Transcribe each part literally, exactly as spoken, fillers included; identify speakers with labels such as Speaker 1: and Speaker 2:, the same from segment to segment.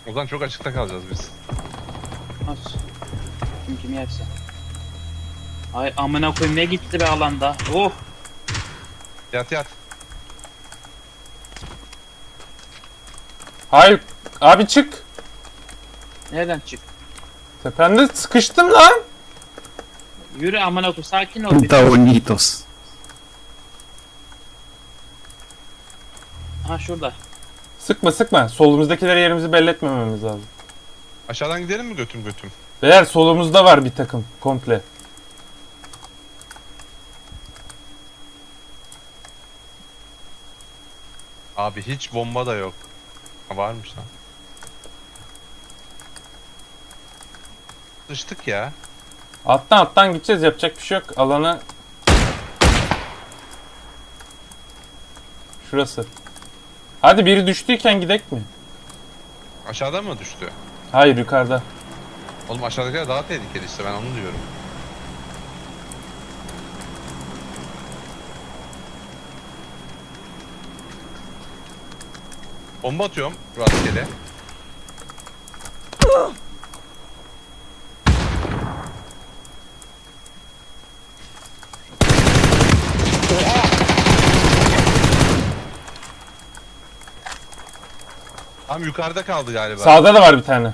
Speaker 1: O zaman çok açıkta kalacağız biz.
Speaker 2: Nasıl? Kim kimi yerse. Ay amına koyayım ne gitti be alanda. Oh.
Speaker 1: Yat yat.
Speaker 3: Hayır. Abi çık.
Speaker 2: Nereden çık?
Speaker 3: Tepende sıkıştım lan.
Speaker 2: Yürü amına koyayım sakin ol.
Speaker 4: Puta bonitos.
Speaker 2: Ha şurada.
Speaker 3: Sıkma sıkma. Solumuzdakilere yerimizi belli etmememiz lazım.
Speaker 1: Aşağıdan gidelim mi götüm götüm?
Speaker 3: Beyler solumuzda var bir takım. Komple.
Speaker 1: Abi hiç bomba da yok. Ha, varmış lan. Sıçtık ya.
Speaker 3: Alttan alttan gideceğiz. Yapacak bir şey yok. Alanı... Şurası. Hadi biri düştüyken gidek mi?
Speaker 1: Aşağıdan mı düştü?
Speaker 3: Hayır yukarıda.
Speaker 1: Oğlum aşağıdakiler daha tehlikeli işte, ben onu diyorum. Bomba atıyorum rastgele. Tam yukarıda kaldı galiba.
Speaker 3: Sağda da var bir tane.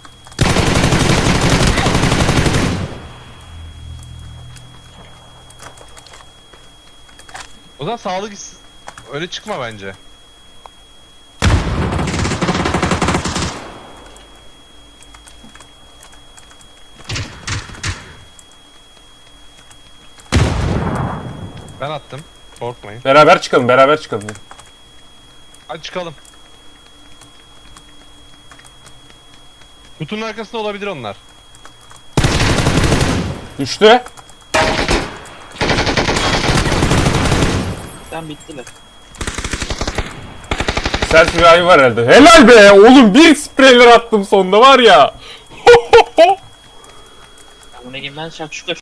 Speaker 1: O zaman sağlık is- öyle çıkma bence. Ben attım. Korkmayın.
Speaker 3: Beraber çıkalım. Beraber çıkalım.
Speaker 1: Hadi çıkalım. Kutunun arkasında olabilir onlar.
Speaker 3: Düştü.
Speaker 2: Sen bittiler.
Speaker 3: Sert bir ayı var herhalde. Helal be oğlum, bir spreyler attım sonunda var ya.
Speaker 2: Ya bu ne gibi ben şakşuka